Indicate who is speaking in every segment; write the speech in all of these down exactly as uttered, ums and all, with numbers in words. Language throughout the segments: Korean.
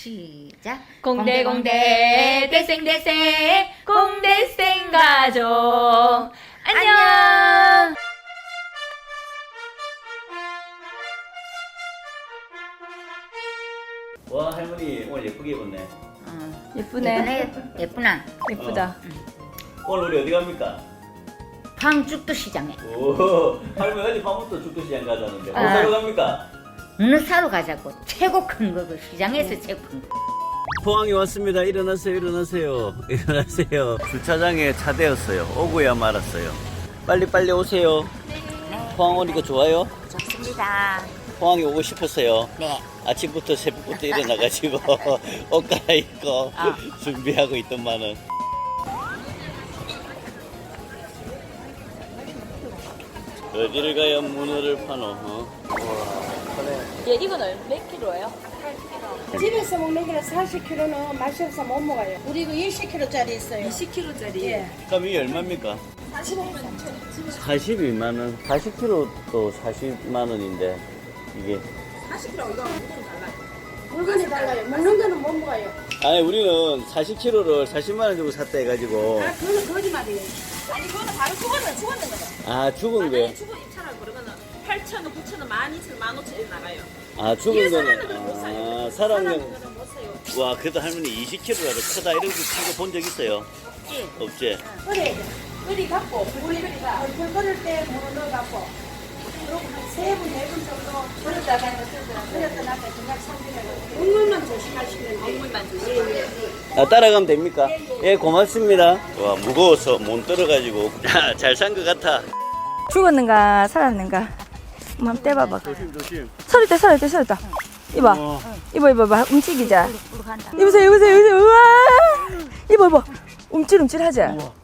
Speaker 1: 시작.
Speaker 2: 공대공대 대생대생 공대생 가족 안녕.
Speaker 3: 와 할머니 오늘 예쁘게 입었네.
Speaker 1: 어.
Speaker 2: 예쁘네.
Speaker 1: 예쁘네. 예쁘나?
Speaker 2: 예쁘다.
Speaker 3: 오늘 우리 어디 갑니까?
Speaker 1: 황죽도 시장에.
Speaker 3: 오 할머니 어디 밤부터 죽도시장 가자는데 뭐
Speaker 1: 아.
Speaker 3: 사러 갑니까?
Speaker 1: 어느 사러 가자고. 최고 큰 거, 그 시장에서 최고 큰 거.
Speaker 3: 포항에 왔습니다. 일어나세요 일어나세요 일어나세요. 주차장에 차 대었어요. 오고야 말았어요. 빨리 빨리 오세요. 포항 오니까 좋아요?
Speaker 1: 좋습니다.
Speaker 3: 포항에 오고 싶었어요.
Speaker 1: 네.
Speaker 3: 아침부터 새벽부터 일어나가지고 옷 갈아입고
Speaker 1: 아.
Speaker 3: 준비하고 있던만은. 어디를 가야 문어를 파노? 어?
Speaker 2: 얘 이건 얼- 몇 킬로예요?
Speaker 4: 집에서 먹는 거는 사십 킬로그램는 맛이 없어 못 먹어요. 우리 이거 이십 킬로그램짜리 있어요.
Speaker 2: 이십 킬로짜리.
Speaker 4: 예.
Speaker 3: 그럼 이게 얼마입니까? 사십이만 원. 사십 킬로그램도 사십만 원인데 이게
Speaker 4: 물건이 달라요. 먹는 거는 못 먹어요.
Speaker 3: 아니 우리는 사십 킬로그램를 사십만 원 주고 샀다 해가지고
Speaker 4: 아, 그거는 거짓말이에요.
Speaker 5: 아니 그거는 바로 죽었는 죽었는 거죠.
Speaker 3: 아 죽은
Speaker 5: 만약에
Speaker 3: 거.
Speaker 5: 죽은 입찰하고 그러면은 팔천 원, 구천 원, 만 이천 원, 만 오천 원 나가요.
Speaker 3: 아 죽은
Speaker 5: 이게
Speaker 3: 거는
Speaker 5: 살아있는 거는 못 사요.
Speaker 3: 아
Speaker 5: 살아있는
Speaker 3: 살아있는
Speaker 5: 거는 못 사요.
Speaker 3: 와 그래도 할머니 이십 킬로그램 크다 이런 거 친거 본 적 있어요?
Speaker 1: 예.
Speaker 3: 없지?
Speaker 4: 끓여야 돼. 끓이 갖고, 우리 불 끓일 때 물을 넣어갖고, 그리고 한세 분, 네 분 정도 끓였다가 끓였다 놨다 그냥 삼키려고. 국물만 조심하시면 돼요.
Speaker 5: 국물만 조심하세요.
Speaker 3: 아, 따라가면 됩니까? 예, 고맙습니다. 와, 무거워서 못 들어가지고. 잘 산 것 같아.
Speaker 2: 죽었는가 살았는가? 한번 떼봐봐.
Speaker 3: 조심, 조심.
Speaker 2: 서리대 서리대 서리대. 이봐.
Speaker 3: 어.
Speaker 2: 이봐 이봐 봐. 움직이자.
Speaker 1: 부르간다.
Speaker 2: 이보세요 이보세요 이보세요. 우와. 이봐 이봐. 움찔움찔하지.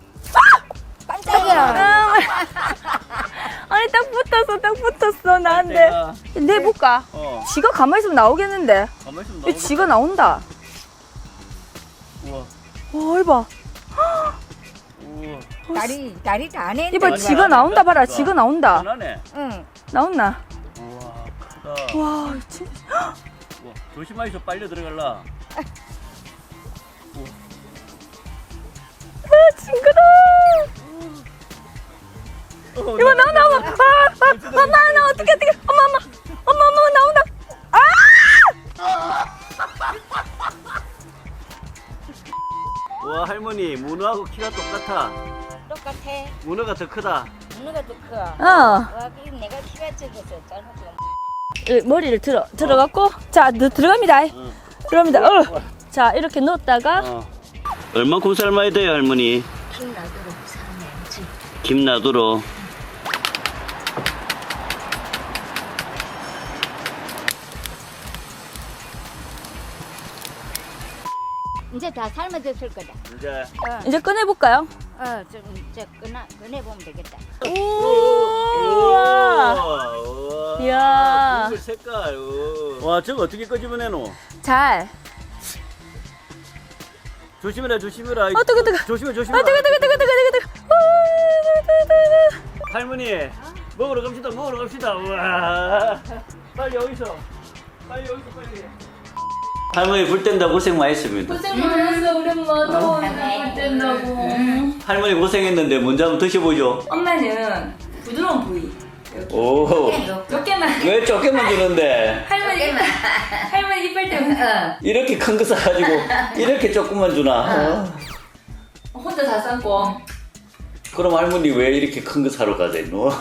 Speaker 2: 깜짝이야. 아니 딱 붙었어 딱 붙었어 나한테.
Speaker 3: 내가,
Speaker 2: 내볼까?
Speaker 3: 어.
Speaker 2: 지가 가만히 있으면 나오겠는데.
Speaker 3: 가만히 있으면
Speaker 2: 이
Speaker 3: 나오겠다.
Speaker 2: 지가 나온다.
Speaker 3: 우와,
Speaker 2: 와 이봐.
Speaker 3: 우와.
Speaker 1: 다리, 다리 다 내.
Speaker 2: 이봐
Speaker 3: 아니,
Speaker 2: 지가
Speaker 3: 아니,
Speaker 2: 나온다 봐라.
Speaker 3: 아니,
Speaker 2: 지가 나온다.
Speaker 3: 편하네.
Speaker 1: 응.
Speaker 2: 나온나?
Speaker 3: 우와, 크다.
Speaker 2: 와 진짜.
Speaker 3: 우와, 조심하셔, 빨려 들어갈라.
Speaker 2: 아 징그러.
Speaker 3: 어,
Speaker 2: 이거 나와 나와. 아, 아, 아, 나, 나 어떻게 어떻게? 엄마 엄마 엄마 엄마 나온다.
Speaker 3: 와, 할머니, 문어하고 키가 똑같아.
Speaker 1: 똑같아.
Speaker 3: 문어가 더 크다.
Speaker 1: 누가 더 커?
Speaker 2: 어.
Speaker 1: 와, 그 내가 키가 적어서 잘못했어.
Speaker 2: 이 머리를 들어 들어갔고 자 너, 들어갑니다.
Speaker 3: 응.
Speaker 2: 들어갑니다. 어. 자 이렇게 넣었다가
Speaker 3: 어. 얼만큼 삶아야 돼요, 할머니?
Speaker 1: 김 놔두고 삶아야지.
Speaker 3: 김 놔두러.
Speaker 1: 이제 다 삶아졌을 거다.
Speaker 3: 이제.
Speaker 1: 어,
Speaker 2: 이제 꺼내 볼까요?
Speaker 1: 어, 좀, 이제 꺼내, 꺼내보면 되겠다.
Speaker 2: 우와.
Speaker 3: 우와.
Speaker 2: 이야.
Speaker 3: 국물 색깔. 우와. 와, 저거 어떻게 끄집어내노?
Speaker 2: 잘.
Speaker 3: 조심해라, 조심해라.
Speaker 2: 어 뜨거 뜨거.
Speaker 3: 조심해,
Speaker 2: 아
Speaker 3: 조심해.
Speaker 2: 뜨거 뜨거 뜨거 뜨거 뜨거 뜨거. 아, 뜨거, 뜨거, 뜨거.
Speaker 3: 할머니, 먹으러 갑시다, 먹으러 갑시다. 우와. 빨리 어디서? 빨리 어디서 빨리. 할머니 불 뗀다 고생 많이 했습니다.
Speaker 2: 고생 많았어 우리 엄마 더우니까 물 뗀다고.
Speaker 3: 할머니 고생했는데 먼저 한번 드셔보죠.
Speaker 2: 엄마는 부드러운 부위.
Speaker 3: 오.
Speaker 2: 몇 개만.
Speaker 3: 왜 조금만 주는데?
Speaker 2: 할머니 이빨, 할머니 이빨 때문에
Speaker 3: 이렇게 큰 거 사가지고 이렇게 조금만 주나? 어.
Speaker 2: 혼자 다 삶고.
Speaker 3: 그럼 할머니 왜 이렇게 큰 거 사러 가세요?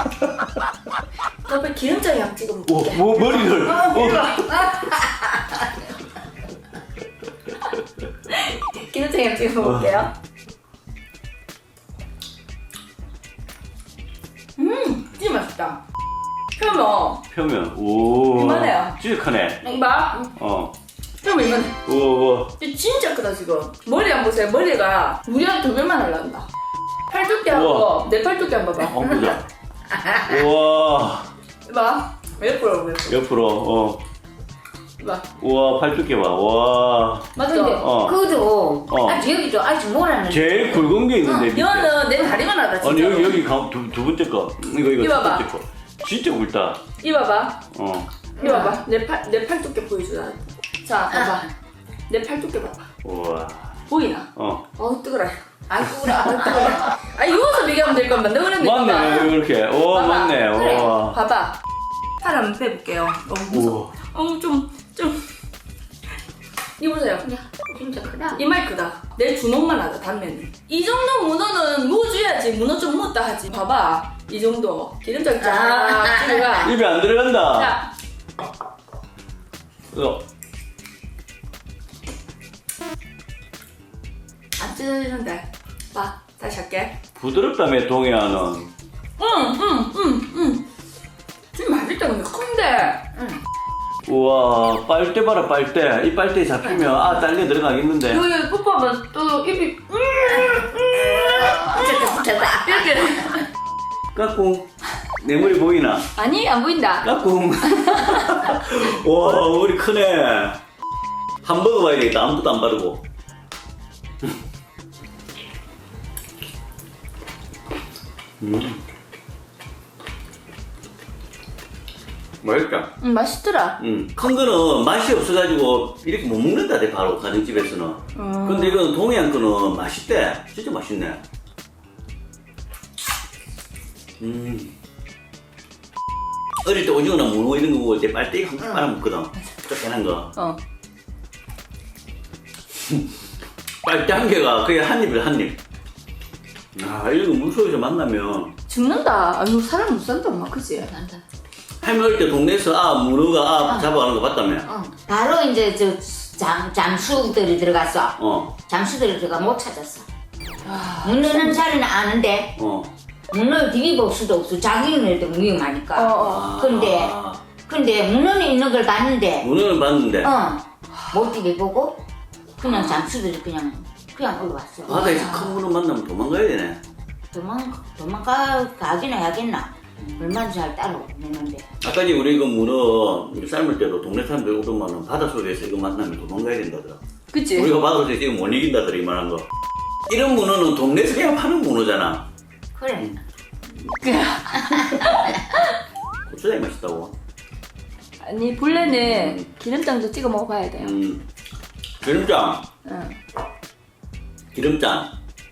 Speaker 2: 옆에 기름장에 약 찍어
Speaker 3: 오, 뭐 머리를. 어.
Speaker 2: 기름장에 약 찍어 먹을게요. 음, 진짜 맛있다. 표면
Speaker 3: 표면. 오.
Speaker 2: 이만해요.
Speaker 3: 진짜 크네.
Speaker 2: 이봐.
Speaker 3: 어.
Speaker 2: 표면 이만해.
Speaker 3: 우와, 우와.
Speaker 2: 진짜 크다 지금. 머리 한 번 보세요. 머리가 우리 한 두 배만 올라간다. 팔뚝기하고
Speaker 3: 우와.
Speaker 2: 내 팔뚝기 한 번 봐봐.
Speaker 3: 어, 보자. 우와.
Speaker 2: 이봐. 옆으로 몇 번.
Speaker 3: 옆으로. 어.
Speaker 2: 이봐.
Speaker 3: 우와, 팔뚝기 봐. 와.
Speaker 2: 맞죠?
Speaker 3: 어.
Speaker 1: 그도
Speaker 3: 어.
Speaker 1: 아직 여기도 아직 뭐라는.
Speaker 3: 제일 굵은 게 있는데. 밑에.
Speaker 2: 이거는 내 다리만 하다 진짜.
Speaker 3: 아니 여기 여기 가- 두, 두 번째 거. 이거 이거
Speaker 2: 이거
Speaker 3: 첫
Speaker 2: 봐봐.
Speaker 3: 번째 거. 진짜 굵다.
Speaker 2: 이봐봐.
Speaker 3: 어.
Speaker 2: 이봐봐. 내 팔 내 팔뚝기 보여주라. 자, 봐봐. 내 팔뚝 봐봐.
Speaker 3: 우와.
Speaker 2: 보이나?
Speaker 3: 어.
Speaker 2: 어우 뜨거라. 아이 뜨거라. 아이 뜨거라. 아 이거서 비교하면 될 건데 너 그랬는데.
Speaker 3: 맞네, 이렇게. 오,
Speaker 2: 봐봐.
Speaker 3: 맞네.
Speaker 2: 그래.
Speaker 3: 와.
Speaker 2: 봐봐. 팔 한번 빼볼게요. 너무 무서워. 어우 좀 좀. 이 보세요.
Speaker 1: 야, 진짜 크다.
Speaker 2: 이말 크다. 내 주먹만 하다 단면이. 이 정도 문어는 무줘야지. 문어 좀 묻다 하지. 봐봐. 이 정도 기름장 쫙 들어가.
Speaker 3: 입에 안 들어간다.
Speaker 2: 자,
Speaker 3: 이거.
Speaker 2: 안 뜯는데. 봐, 다시 할게.
Speaker 3: 부드럽다며, 동해안은.
Speaker 2: 응, 응, 응, 응. 좀 맛있다 근데 큰데. 응.
Speaker 3: 우와, 빨대 봐라, 빨대. 이 빨대에 잡히면, 아, 딸려 들어가겠는데.
Speaker 2: 여기 뽀뽀하면 또 입이 음, 음, 이렇게.
Speaker 3: 까꿍. 내 머리 보이나?
Speaker 2: 아니 안 보인다.
Speaker 3: 까꿍. 와, 머리 크네. hamburger 봐야 되겠다. 아무것도 안 바르고. 음. 맛있다.
Speaker 2: 응 맛있더라.
Speaker 3: 음. 큰 거는 맛이 없어가지고 이렇게 못 먹는다, 대 바로 가정집에서는.
Speaker 2: 음.
Speaker 3: 근데 이건 동해안 거는 맛있대. 진짜 맛있네. 음. 어릴 때 오징어나 문어 이런 거 먹을 때 빨대기 한 번 빨아먹거든. 쪼개난 거.
Speaker 2: 어.
Speaker 3: 빨대 한 개가 그냥 한 입을 한 입. 아, 이런 거 물속에서 만나면.
Speaker 2: 죽는다. 아유 사람 못 산다 엄마 그지?
Speaker 1: 난다.
Speaker 3: 할머니 어릴 때 동네에서 아, 문어가 아,
Speaker 1: 어.
Speaker 3: 잡아가는 거 봤다며.
Speaker 1: 어. 바로 이제 저 잠, 잠수들이 들어갔어.
Speaker 3: 어,
Speaker 1: 잠수들이 들어가 못 찾았어. 문어는 자리는 아는데
Speaker 3: 어.
Speaker 1: 문어를 디비볼 수도 없어. 자기네들도 위험하니까.
Speaker 2: 어, 어.
Speaker 1: 근데
Speaker 3: 아,
Speaker 1: 근데 문어는 있는 걸 봤는데
Speaker 3: 문어는 봤는데.
Speaker 1: 어. 못 디비보고 그냥 잠수들이 그냥 그냥 올라왔어.
Speaker 3: 바다에서 큰 문어 만나면 도망가야 되네.
Speaker 1: 도망 도망가 가긴 해야겠나. 얼마나 잘 따라오는데.
Speaker 3: 아까 이제 우리 그 문어 삶을 때도 동네 사람들 오더만은 바닷속에서 이거 만나면 도망가야 된다더라.
Speaker 2: 그치?
Speaker 3: 우리가 바닷속에서 이거 못 이긴다더라, 이만한 거. 이런 문어는 동네에서 그냥 파는 문어잖아.
Speaker 1: 그래.
Speaker 3: 고추장이 맛있다고.
Speaker 2: 아니 본래는 기름장도 찍어 먹어봐야 돼요.
Speaker 3: 음, 기름장.
Speaker 2: 응.
Speaker 3: 기름장.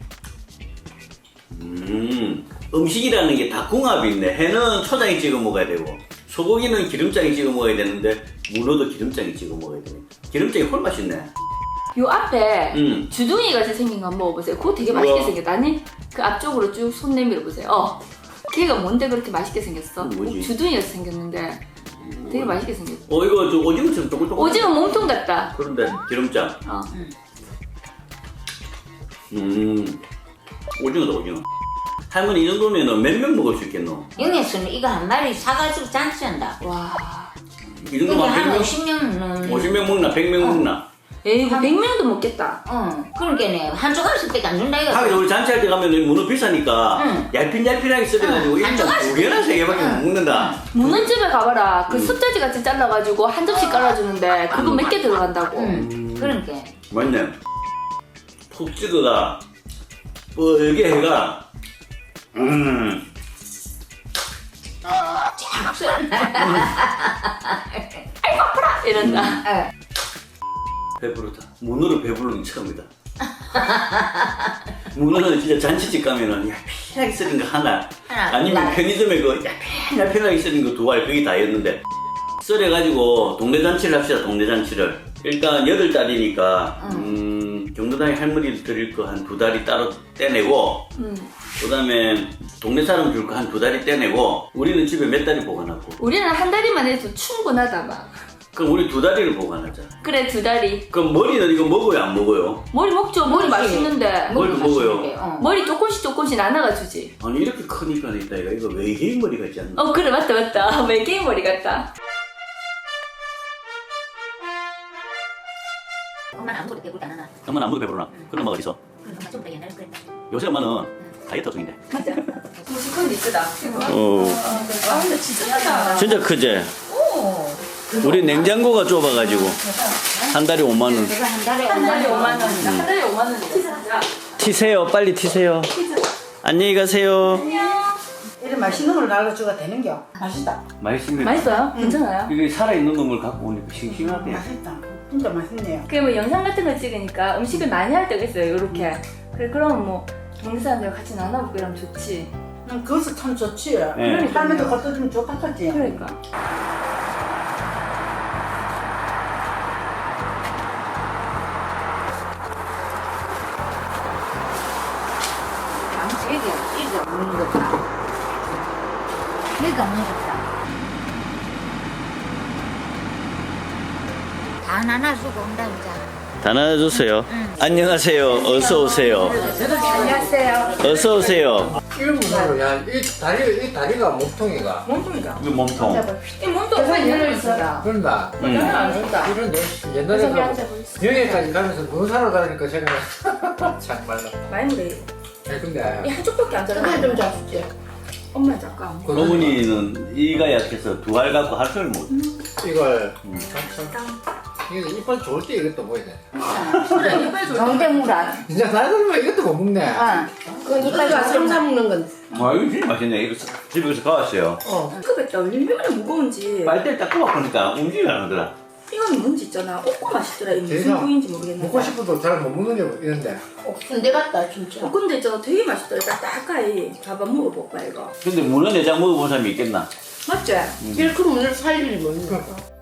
Speaker 3: 음, 음식이라는 게 다 궁합이 있네. 해는 초장에 찍어 먹어야 되고, 소고기는 기름장에 찍어 먹어야 되는데, 문어도 기름장에 찍어 먹어야 되네. 기름장이 훨 맛있네.
Speaker 2: 요 앞에
Speaker 3: 음.
Speaker 2: 주둥이 같이 생긴 거 한번 먹어보세요. 그거 되게 맛있게
Speaker 3: 우와.
Speaker 2: 생겼다. 아니 그 앞쪽으로 쭉 손 내밀어 보세요. 어. 걔가 뭔데 그렇게 맛있게 생겼어?
Speaker 3: 음, 뭐지?
Speaker 2: 주둥이 같이 생겼는데 되게 맛있게 생겼어.
Speaker 3: 어, 이거 저 오징어처럼 조글조글.
Speaker 2: 오징어 몸통 같다.
Speaker 3: 그런데 기름장.
Speaker 2: 어.
Speaker 3: 음, 오징어다, 오징어. 할머니 이 정도면은 몇 명 먹을 수 있겠노?
Speaker 1: 영에서는 이거 한 마리 사가지고 잔치한다.
Speaker 2: 와.
Speaker 3: 이
Speaker 1: 여기
Speaker 3: 정도면 백
Speaker 1: 한
Speaker 3: 명?
Speaker 1: 오십 명은
Speaker 3: 오십 명 먹나? 백 명 먹나?
Speaker 2: 에이 뭐 백 명도 먹겠다.
Speaker 1: 어, 그러니까네 한 조각씩밖에 안 준다 이거.
Speaker 3: 하긴 우리 잔치할 때 가면 문어 비싸니까
Speaker 1: 응.
Speaker 3: 얄핀얄핀하게 썰어가지고
Speaker 1: 응.
Speaker 3: 일단
Speaker 1: 한
Speaker 3: 두 개나 세 개밖에 못 먹는다.
Speaker 2: 문어집에 가봐라. 그
Speaker 3: 음.
Speaker 2: 숫자지 같이 잘라가지고 한 접시 깔아주는데 그거 몇 개 들어간다고.
Speaker 1: 응, 그러니까.
Speaker 3: 맞네. 푹 찍어가 뻘게 해가 음.
Speaker 2: 이런다.
Speaker 1: 어.
Speaker 3: 배부르다. 문어를 배부르는 처음이다. 문어는 진짜 잔치집 가면은 얄핀하게 썰은 거 하나,
Speaker 1: 하나,
Speaker 3: 아니면
Speaker 1: 하나.
Speaker 3: 편의점에 그 얄핀얄핀하게 썰은 거 두 알, 그게 다였는데 썰어가지고 동네 잔치를 합시다. 동네 잔치를 일단 여덟 달이니까 음, 경로당에 할머니 드릴 거 한 두 달이 따로 떼내고
Speaker 2: 음.
Speaker 3: 그 다음에 동네 사람 줄 거 한 두 달이 떼내고 우리는 집에 몇 달이 보관하고
Speaker 2: 우리는 한 다리만 해도 충분하다 막.
Speaker 3: 그럼 우리 두 다리를 보관하자.
Speaker 2: 그래 두 다리.
Speaker 3: 그럼 머리는 이거 먹어요, 안 먹어요?
Speaker 2: 머리 먹죠. 머리
Speaker 1: 먹지.
Speaker 2: 맛있는데.
Speaker 3: 머리
Speaker 1: 먹으면
Speaker 3: 먹어요.
Speaker 1: 맛있는데, 어.
Speaker 2: 머리 조금씩 조금씩 나눠가 주지.
Speaker 3: 아니 이렇게 크니까 있다 이거 이거 외계인 머리 같지 않나?
Speaker 2: 어 그래 맞다 맞다. 외계인 머리 같다.
Speaker 1: 엄마는 아무것도 배불리 안 하나.
Speaker 3: 엄마는 아무도 배부르나? 그런 엄마가 어딨어?
Speaker 1: 그럼 엄마 좀더 옛날에 그랬다.
Speaker 3: 요새 엄마는 다이어트 중인데.
Speaker 2: 맞아. 무식한 이쁘다.
Speaker 3: 어,
Speaker 2: 아 근데 진짜 크다.
Speaker 3: 진짜 크지? 우리 냉장고가 좁아가지고 한 달에 오만 원.
Speaker 1: 내가 한 달에
Speaker 2: 한 달에
Speaker 1: 오만
Speaker 2: 오만 원이다. 한 달에 오만 원이다. 진짜.
Speaker 3: 튀세요, 빨리 튀세요. 안녕히 가세요.
Speaker 4: 이런 맛있는 걸 날려줘가 되는겨. 맛있다.
Speaker 3: 맛있습니다.
Speaker 2: 맛있어요? 괜찮아요?
Speaker 3: 이게 살아있는 놈을 갖고 오니까 싱싱하대.
Speaker 4: 맛있다. 진짜 맛있네요.
Speaker 2: 그게 뭐 영상 같은 거 찍으니까 음식을 많이 할 때가 있어요. 이렇게. 그래 그러면 뭐 먹는 사람들 같이 나눠먹고 이러면 좋지.
Speaker 4: 음, 그것도 참 좋지.
Speaker 3: 네.
Speaker 4: 할머니도 갖다 주면 좋겠지.
Speaker 2: 그러니까.
Speaker 1: 양치 이게 이게 없는 거다. 이게 없는 거다. 다 나눠주고 온다 이제.
Speaker 3: 다 나눠주세요. 안녕하세요. 어서 오세요.
Speaker 2: 안녕하세요.
Speaker 3: 어서 오세요.
Speaker 6: 일본으로 야이 다리 이 다리가 몸통이가
Speaker 2: 몸통이다.
Speaker 3: 이거 몸통.
Speaker 2: 이 몸통 왜 열려 있어요?
Speaker 6: 그런다.
Speaker 3: 음.
Speaker 2: 안 된다.
Speaker 6: 이런데 옛날에 그 여행까지 가면서 눈 사러 가니까 제가 정말로.
Speaker 2: 많이 그래.
Speaker 6: 아니 근데
Speaker 2: 이 한쪽밖에 안 자라. 좀 잡수지. 엄마 잠깐.
Speaker 6: 그
Speaker 3: 어머니는 이가 약해서 두 알 갖고 할 소리 못.
Speaker 6: 이걸 참 이게 이빨 좋을 때 이것도 보이네.
Speaker 2: 그래 이빨 좋아.
Speaker 1: 정대무라.
Speaker 6: 진짜 나이들면 이것도 못 먹네.
Speaker 1: 어. 그 이빨 삼삼 먹는 건.
Speaker 3: 아 이거 진짜 맛있네. 이거 집에 가서 가왔어요.
Speaker 2: 급했다. 얼마나 무거운지.
Speaker 3: 빨대를 딱 꼽아보니까 움직이지 안 하더라.
Speaker 2: 이건 뭔지 있잖아. 오고 맛있더라. 이게 무슨
Speaker 6: 대박.
Speaker 2: 부위인지 모르겠는데.
Speaker 6: 먹고 싶어도 잘 못 먹는 게 이런데.
Speaker 1: 군대 갔다 진짜.
Speaker 2: 어, 근데 있잖아. 되게 맛있더라. 딱딱하이. 봐봐 먹어볼까 이거.
Speaker 3: 근데 문어 내장 먹어본 사람이 있겠나?
Speaker 2: 맞지?
Speaker 1: 이렇게 문을 살리지 뭐.